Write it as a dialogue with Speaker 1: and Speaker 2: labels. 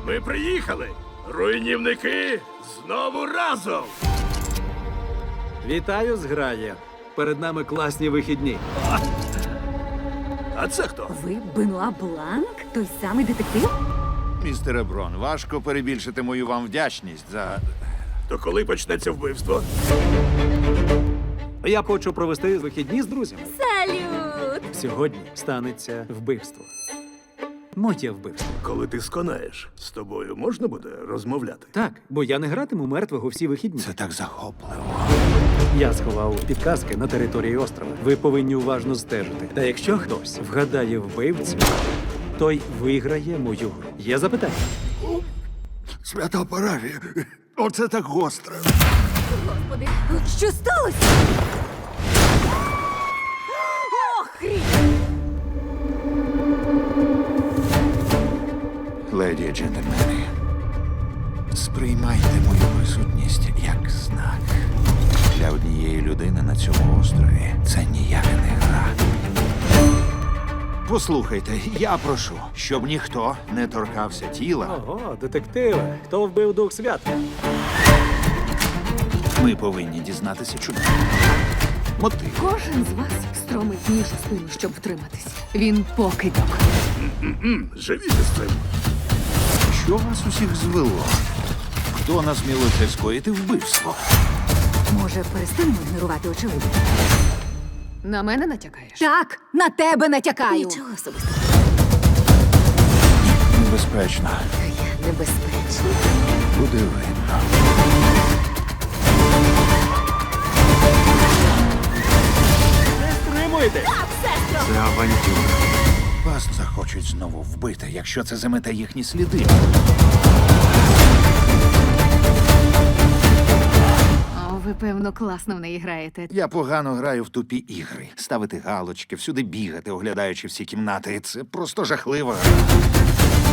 Speaker 1: Ми приїхали! Руйнівники знову разом!
Speaker 2: Вітаю, зграє. Перед нами класні вихідні.
Speaker 1: А це хто?
Speaker 3: Ви Бенуа Бланк? Той самий детектив?
Speaker 4: Містере Брон, важко перебільшити мою вам вдячність за...
Speaker 1: То коли почнеться вбивство?
Speaker 2: Я хочу провести вихідні з друзями.
Speaker 3: Салют!
Speaker 2: Сьогодні станеться вбивство. Моє вбивство.
Speaker 1: Коли ти сконаєш, з тобою можна буде розмовляти?
Speaker 2: Так, бо я не гратиму мертвого всі вихідні.
Speaker 4: Це так захопливо.
Speaker 2: Я сховав підказки на території острова. Ви повинні уважно стежити. Та якщо хтось вгадає вбивцю, той виграє мою гру. Є запитання?
Speaker 4: Свята Паравія, оце так гостро.
Speaker 3: Господи, що сталося? Охрі!
Speaker 4: Леді і джентльмени, сприймайте мою присутність як знак. Для однієї людини на цьому острові це ніяка не гра. Послухайте, я прошу, щоб ніхто не торкався тіла.
Speaker 2: Ого, детективи. Хто вбив Дух Свята?
Speaker 4: Ми повинні дізнатися, чому. Мотив.
Speaker 5: Кожен з вас стромить ніж у спину, щоб втриматись. Він покидьок.
Speaker 1: Живіть з цим.
Speaker 4: Що вас усіх звело? Хто насмілився скоїти вбивство?
Speaker 3: Може, перестанемо ігнорувати очевидно?
Speaker 5: На мене натякаєш?
Speaker 3: Так, на тебе натякаю.
Speaker 5: Нічого особистого.
Speaker 4: Небезпечно.
Speaker 3: Я небезпечна.
Speaker 4: Буде видно.
Speaker 2: Стримуйте!
Speaker 4: Це авантюра. Вас захочуть знову вбити, якщо це замете їхні сліди.
Speaker 5: О, ви, певно, класно в неї граєте.
Speaker 4: Я погано граю в тупі ігри. Ставити галочки, всюди бігати, оглядаючи всі кімнати. Це просто жахливо.